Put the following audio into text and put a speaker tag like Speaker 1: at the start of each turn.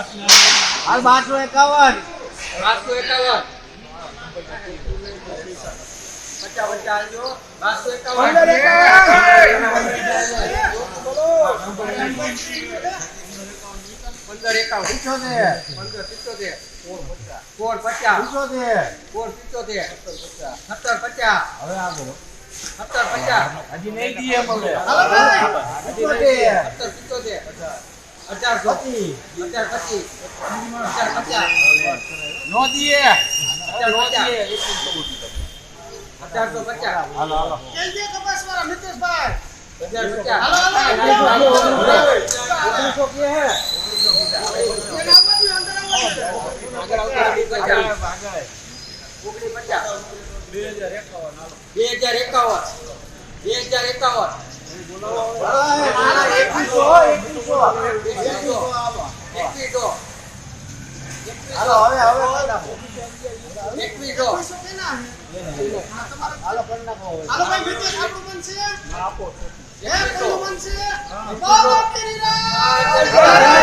Speaker 1: હાલ 1251 હજી નહીં દઈએ મને નો દઈએ 1850 હાલો હાલો જલ્દી કપાસ વાળા મિતેશભાઈ 1850 હાલો હાલો